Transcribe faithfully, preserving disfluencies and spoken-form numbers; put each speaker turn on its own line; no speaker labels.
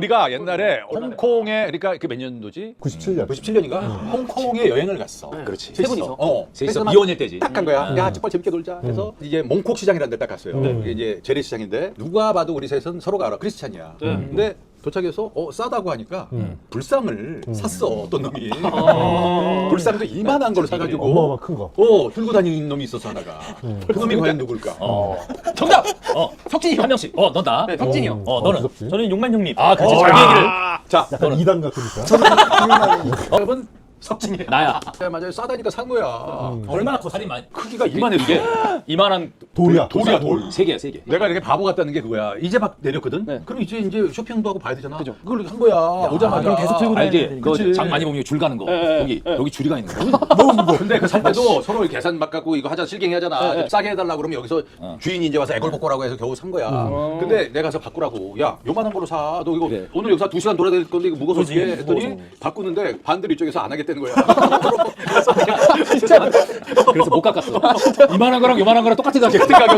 우리가 옛날에 홍콩에 그러니까 그 몇 년도지?
구십칠 년.
구십칠 년인가? 홍콩에 여행을 갔어.
그렇지.
세 분이서. 어.
셋이서
막
미혼일 때지.
딱 간 거야. 야, 정말 재밌게 놀자. 해서 이제 몽콕 시장이라는 데를 딱 갔어요. 이게 이제 재래시장인데 누가 봐도 우리 셋은 서로가 알아. 크리스찬이야. 근데 도착해서 어 싸다고 하니까 불상을 샀어 어떤 놈이. 불상도 이만한 걸 사가지고
어마어마 큰 거.
어 들고 다니는 놈이 있었어 하나가. 그 놈이 과연 누굴까?
어. 정답. 어. 석진이 한 명씩. 어, 넌 나.
네, 석진이 형.
어, 너는.
무섭지?
저는 용만 형님.
아, 그렇지.
어,
자기
야.
얘기를.
자,
약간 이 단 같으니까.
여러분 석진이.
나야.
야, 맞아요. 싸다니까 산 거야.
얼마나 커? 살이 많이.
크기가 이만해 이게.
이만한
돌이야.
돌이야 돌.
세 개야, 세 개.
내가 이렇게 바보 같다는 게 그거야. 이제 막 내렸거든.
네.
그럼 이제 이제 쇼핑도 하고 봐야 되잖아. 그걸 한 거야. 오자마자.
그럼 계속 들고
알지?
다니는
그
그치.
장 많이 보면 줄 가는 거.
네,
여기
네.
여기 줄이가 있는 거.
근데 그 살 때도 서로 계산 막 갖고 이거 하자 실갱이 하잖아. 좀 싸게 해달라 그러면 여기서 주인이 이제 와서 애걸복걸하고 해서 겨우 산 거야. 근데 내가 가서 바꾸라고. 야 요만한 걸로 사. 너 이거
그래.
오늘 여기서 두 시간 돌아야 될 건데 이거 무거워서
그치,
어떻게 해? 했더니
무거워서.
바꾸는데 반대로 이쪽에서 안 하겠다는 거야.
진짜. 그래서 못 깎았어. 이만한 거랑 요만한 거랑 똑같은 가격.